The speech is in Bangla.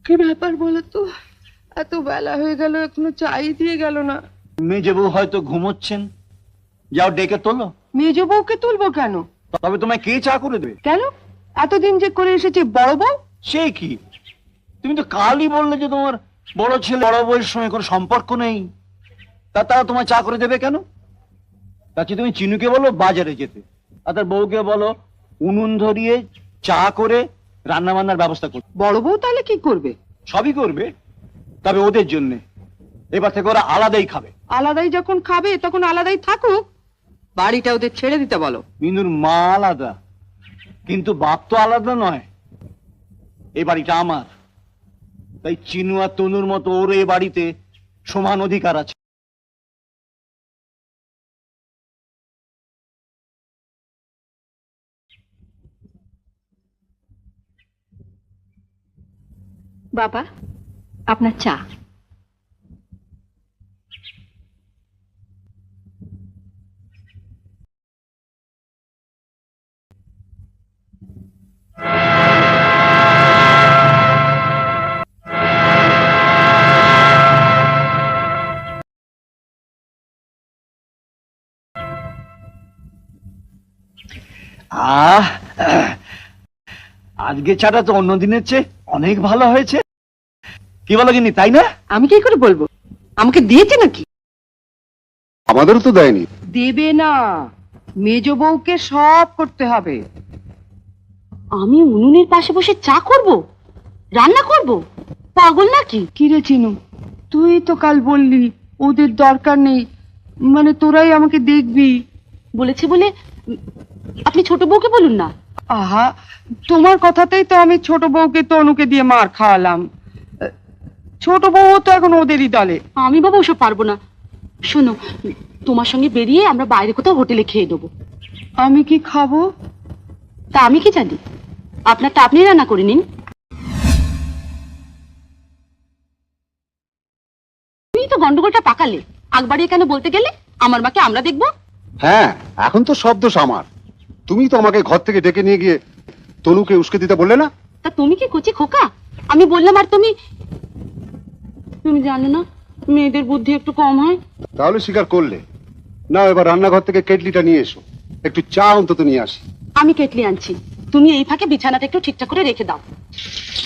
কি ব্যাপার বলো তো, এত বেলা হয়ে গেল এখনো চাই দিয়ে গেল না। মেজে বউ হয়তো ঘুমোচ্ছেন, যাও ডেকে তোলো। মেজ বউকে তুলবো কেন? তবে তোমায় কে চা করে দেবে? কেন? এতদিন যে করে এসেছে বড় বউ। সে কি, তুমি তো কালই বললে যে তোমার বড় ছেলে বড় বউয়ের সঙ্গে কোনো সম্পর্ক নেই, তারা তোমায় চা করে দেবে কেন? তাকে তুমি চিনুকে বলো বাজারে যেতে, আর তার বউকে বলো উনুন ধরিয়ে চা করে রান্না বান্নার ব্যবস্থা করতে। বড় বউ তাহলে কি করবে? সবই করবে, তবে ওদের জন্য এবার থেকে ওরা আলাদাই খাবে। আলাদাই যখন খাবে তখন আলাদাই থাকুক, বাড়িটা ওদের ছেড়ে দিতে বলো। মিনুর মা আলাদা, কিন্তু বাপ তো আলাদা নয়। এই বাড়িটা আমার, তাই চিনু আর তনুর মতো ওর এই বাড়িতে সমান অধিকার আছে। বাবা, আপনার চা। আহ, আজকে চাটা তো অন্য দিনের চেয়ে অনেক ভালো হয়েছে। কি বলো গিন্নি, তাই না? আমি কি করে বলবো? আমাকে দিয়েছে নাকি? আমাদেরও তো দেয়নি। দেবে না, মেজ বউকে সব করতে হবে। আমি উনুনের পাশে বসে চা করব, রান্না করব? পাগল নাকি? কি রে চিনু, তুই তো কাল বললি ওদের দরকার নেই, মানে তোরাই আমাকে দেখবি। বলেছে বলে আপনি ছোট বউকে বলুন না। আহা, তোমার কথাতেই তো আমি ছোট বউকে তনুকে দিয়ে মার খাওয়ালাম। ছোট বউ তো এখন ওদেরই দলে। আমি বাবা ওসব পারবো না। শোনো, তোমার সঙ্গে বেরিয়ে আমরা বাইরে কোথাও হোটেলে খেয়ে নেবো। আমি কি খাবো? তা আমি কি জানি, আপনারটা আপনি রান্না করে নিন। তুমি তো গন্ডগোলটা পাকালে, আগ বাড়িয়ে কেন বলতে গেলে আমার মাকে আমরা দেখবো? হ্যাঁ, এখন তো সব দোষ আমার। তুমি তো আমাকে ঘর থেকে ডেকে নিয়ে গিয়ে তনুকে উস্কে দিতে বললে না? তা তুমি কি কচি খোকা? আমি বললাম আর তুমি তুমি জানো না মেয়েদের বুদ্ধি একটু কম হয়। তাহলে স্বীকার করলে না? এবার রান্নাঘর থেকে কেটলিটা নিয়ে এসো, একটু চা অন্তত নিয়ে আসি। আমি কেটলি আনছি, তুমি এই ফাঁকে বিছানাটা একটু ঠিকঠাক করে রেখে দাও।